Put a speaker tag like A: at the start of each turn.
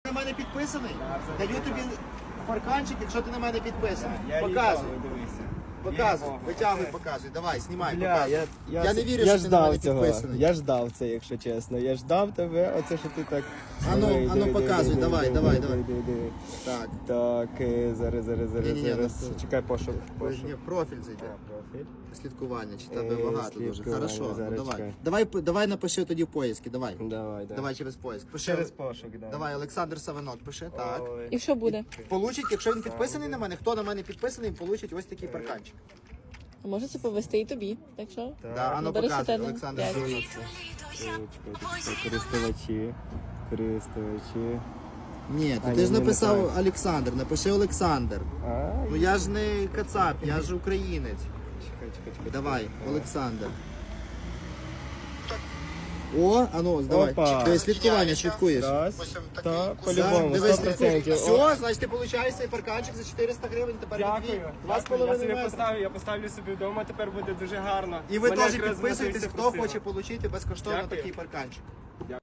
A: на мене підписаний? Даю тобі парканчик, якщо ти на мене підписаний.
B: Я
A: Показуй.
B: їбав, дивися.
A: Показуй,
B: Їбав.
A: витягуй, показуй. Давай, знімай,
B: Бля,
A: показуй. Я не вірю,
B: я
A: що ти на мене
B: ждав цього.
A: підписаний.
B: Я ждав це, якщо чесно. Я ждав тебе, оце що ти так.
A: Ану, показуй, давай.
B: Диви.
A: Так.
B: Так, зараз.
A: Ні-ні-ні,
B: Чекай пошук.
A: Ні, профіль зайде.
B: Профіль.
A: Слідкування, чи тебе багато дуже.
B: слідкування,
A: Хорошо, ну
B: зараз
A: давай.
B: чекай.
A: Давай напиши тоді в поїзки, давай.
B: Давай.
A: Давай через поїзк. Пиши.
B: Через пошук, да.
A: Давай, Олександр Савинок, пиши, так.
B: Ой.
C: І що буде?
A: Получить, якщо він підписаний на мене, хто на мене підписаний, получить ось такий парканчик.
C: А може це повести і тобі, так що?
A: Да, ану
C: Бери
A: показуй,
C: сатану.
A: Олександр
C: П'ять.
A: Савинок.
B: Користувачі.
A: Ні,
B: А,
A: ти ж
B: ні,
A: написав
B: неправильно.
A: Олександр, напиши Олександр.
B: Ай.
A: Ну я ж не кацап, я ж українець.
B: Чекай.
A: Давай, Олександр. О, ану, давай.
B: Опа.
A: Ти слідкування слідкуєш.
B: Раз, та,
A: Так,
B: по-любому,
A: дивись,
B: 100%.
A: Все, значить ти получаєш цей парканчик за 400 гривень, тепер
B: Дякую.
A: Два з
B: Я
A: половиною
B: собі
A: метра.
B: поставлю, я поставлю собі вдома, тепер буде дуже гарно.
A: І ви
B: Мене
A: теж
B: якраз
A: підписуєтесь,
B: Матвій
A: хто
B: просив.
A: хоче отримати безкоштовно
B: Дякую.
A: такий парканчик.